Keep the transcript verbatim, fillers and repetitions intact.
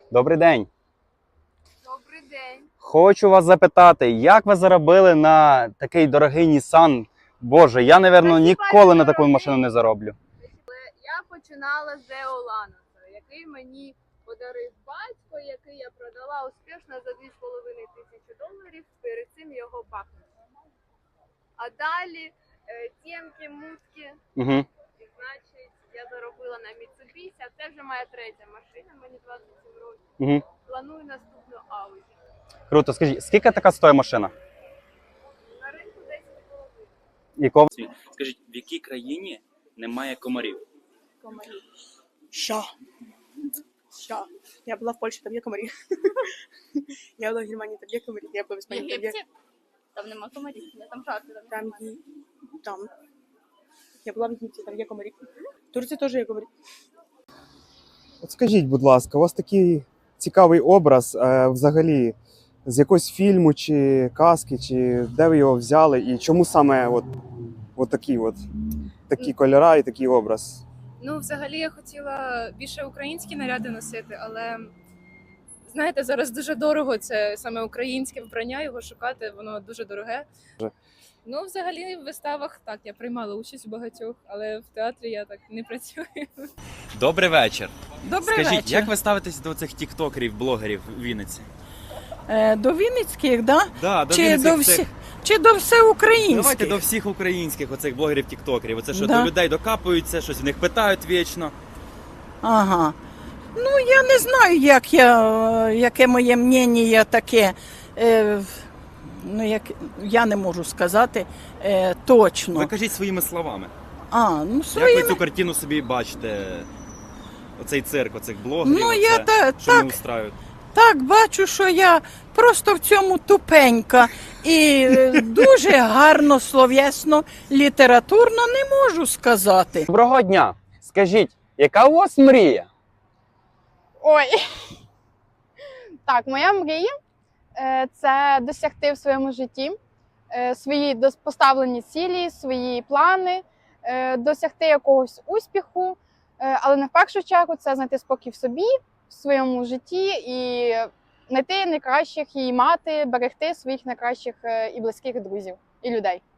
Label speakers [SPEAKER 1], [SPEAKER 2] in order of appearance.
[SPEAKER 1] Добрий день.
[SPEAKER 2] Добрий день.
[SPEAKER 1] Хочу вас запитати, як ви заробили на такий дорогий Nissan? Боже, я, напевно, ніколи на таку машину не зароблю.
[SPEAKER 2] Я починала з Део Ланоса, який мені подарив батько, який я продала успішно за дві з половиною тисячі доларів, перед цим його бахнули. А далі е, тємки, мутки,
[SPEAKER 1] Угу.
[SPEAKER 2] і значить я заробила на Mitsubishi, а це вже моя третя машина, мені двадцять сім років.
[SPEAKER 1] Угу.
[SPEAKER 2] Планую наступну Audi.
[SPEAKER 1] Круто. Скажіть, скільки така стоїть машина?
[SPEAKER 2] На ринку десять з половиною.
[SPEAKER 1] Якого?
[SPEAKER 3] Скажіть, в якій країні немає комарів?
[SPEAKER 2] Комарів.
[SPEAKER 4] Що? Що? Я була в Польщі, там є комарі. Я була в Германії, там є комарі. Я була в
[SPEAKER 2] В
[SPEAKER 4] Іспанії, там є.
[SPEAKER 2] Єгипті? Там нема комарів, там жарко.
[SPEAKER 4] Там є. Там. Я була в Єгипті, там є комарі. В Турції теж є комарі.
[SPEAKER 5] От скажіть, будь ласка, у вас такий цікавий образ е, взагалі з якогось фільму чи казки, чи де ви його взяли і чому саме от, от такі от такі кольори і такий образ?
[SPEAKER 6] Ну, взагалі, я хотіла більше українські наряди носити, але знаєте, зараз дуже дорого це саме українське вбрання, його шукати, воно дуже дороге. Ну, взагалі, в виставах так, я приймала участь у багатьох, але в театрі я так не працюю.
[SPEAKER 3] Добрий вечір.
[SPEAKER 7] Добрий
[SPEAKER 3] Скажіть,
[SPEAKER 7] вечір.
[SPEAKER 3] як ви ставитесь до цих тіктокерів, блогерів в Вінниці?
[SPEAKER 7] Е, До Вінницьких, да?
[SPEAKER 3] Да, до
[SPEAKER 7] Чи
[SPEAKER 3] Вінницьких
[SPEAKER 7] до
[SPEAKER 3] цих-
[SPEAKER 7] всіх, чи до всеукраїнських?
[SPEAKER 3] Давайте до всіх українських оцих блогерів-тіктокерів. Оце що
[SPEAKER 7] Да.
[SPEAKER 3] до людей докапуються, щось в них питають вічно.
[SPEAKER 7] Ага. Ну, я не знаю, як я, е, яке моє мнення таке. Е, ну, як, я не можу сказати е, точно.
[SPEAKER 3] Ви кажіть своїми словами.
[SPEAKER 7] А, ну,
[SPEAKER 3] Як
[SPEAKER 7] своїми...
[SPEAKER 3] ви цю картину собі бачите? Оцей цирк, оцих блогерів,
[SPEAKER 7] Ну,
[SPEAKER 3] оце,
[SPEAKER 7] я та-
[SPEAKER 3] що
[SPEAKER 7] так.
[SPEAKER 3] вони устраюють.
[SPEAKER 7] Так, бачу, що я просто в цьому тупенька і е, дуже гарно, словесно, літературно не можу сказати.
[SPEAKER 1] Доброго дня. Скажіть, яка у вас мрія?
[SPEAKER 8] Ой. Так, моя мрія е, це досягти в своєму житті е, свої дос- поставлені цілі, свої плани, е, досягти якогось успіху, е, але не в першу чергу це знайти спокій в собі, в своєму житті і знайти найкращих і мати, берегти своїх найкращих е, і близьких друзів і людей.